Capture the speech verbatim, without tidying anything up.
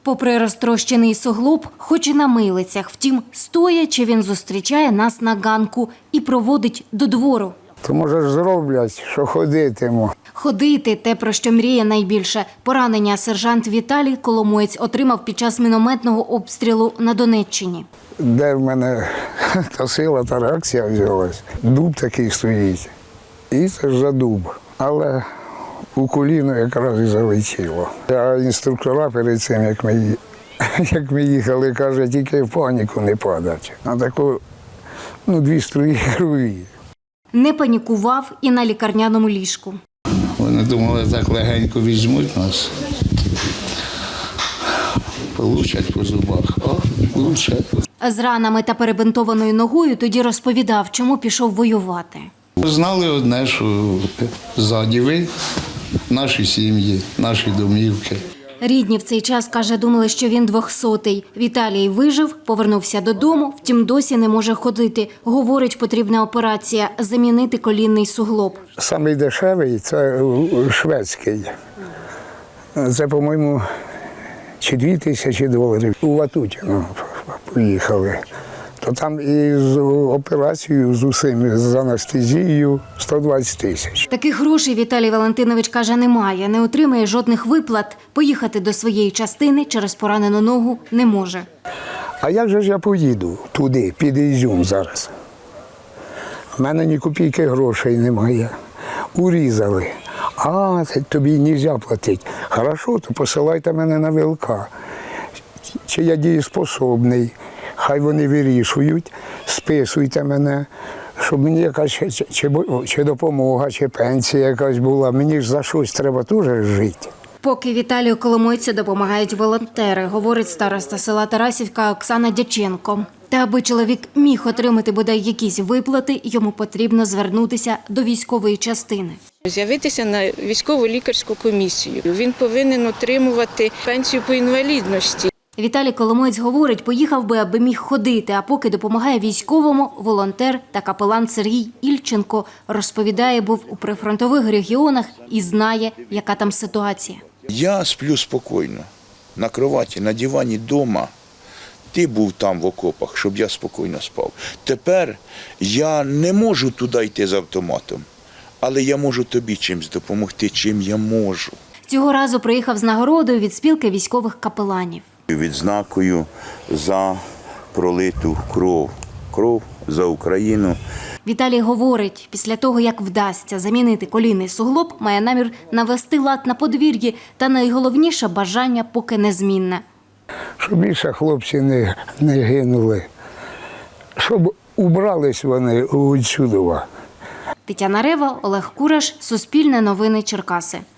Попри розтрощений суглоб, хоч і на милицях, втім, стоячи, він зустрічає нас на ганку і проводить до двору. То, може, ж зроблять, що ходитиму. Ходити – те, про що мріє найбільше. Поранення сержант Віталій Коломоєць отримав під час мінометного обстрілу на Донеччині. Де в мене та сила, та реакція взялась. Дуб такий стоїть. І це ж за дуб. Але у коліно якраз і залетіло. А інструктора перед цим, як ми, як ми їхали, каже, тільки в паніку не падати. А таку, ну, дві струї крові. Не панікував і на лікарняному ліжку. Вони думали, так легенько візьмуть нас. Получать по зубах. О, получать. З ранами та перебинтованою ногою тоді розповідав, чому пішов воювати. Знали одне, що ззаді ви, наші сім'ї, наші домівки. Рідні в цей час, каже, думали, що він двохсотий. Віталій вижив, повернувся додому, втім досі не може ходити. Говорить, потрібна операція – замінити колінний суглоб. Самий дешевий – це шведський. Це, по-моєму, чи дві тисячі доларів. У Ватутіно поїхали. То там із операцією, з усім, з анестезією сто двадцять тисяч. Таких грошей Віталій Валентинович, каже, немає, не отримає жодних виплат. Поїхати до своєї частини через поранену ногу не може. А як же ж я поїду туди, під Ізюм зараз? У мене ні копійки грошей немає. Урізали. А, тобі не можна платити. Хорошо, то посилайте мене на ВЛК. Чи я дієспособний? Хай вони вирішують, списуйте мене, щоб мені якась чи, чи, чи допомога, чи пенсія якась була. Мені ж за щось треба теж жити. Поки Віталію Коломойцю допомагають волонтери, говорить староста села Тарасівка Оксана Дяченко. Та аби чоловік міг отримати бодай якісь виплати, йому потрібно звернутися до військової частини. З'явитися на військову лікарську комісію. Він повинен отримувати пенсію по інвалідності. Віталій Коломоєць говорить, поїхав би, аби міг ходити, а поки допомагає військовому, волонтер та капелан Сергій Ільченко розповідає, був у прифронтових регіонах і знає, яка там ситуація. Я сплю спокійно, на кроваті, на дивані вдома. Ти був там в окопах, щоб я спокійно спав. Тепер я не можу туди йти з автоматом, але я можу тобі чимось допомогти, чим я можу. Цього разу приїхав з нагородою від спілки військових капеланів. Відзнакою за пролиту кров. Кров за Україну. Віталій говорить, після того, як вдасться замінити колінний суглоб, має намір навести лад на подвір'ї та найголовніше бажання поки незмінне. Щоб більше хлопці не, не гинули, щоб убрались вони відсюди. Тетяна Рева, Олег Кураш, Суспільне новини Черкаси.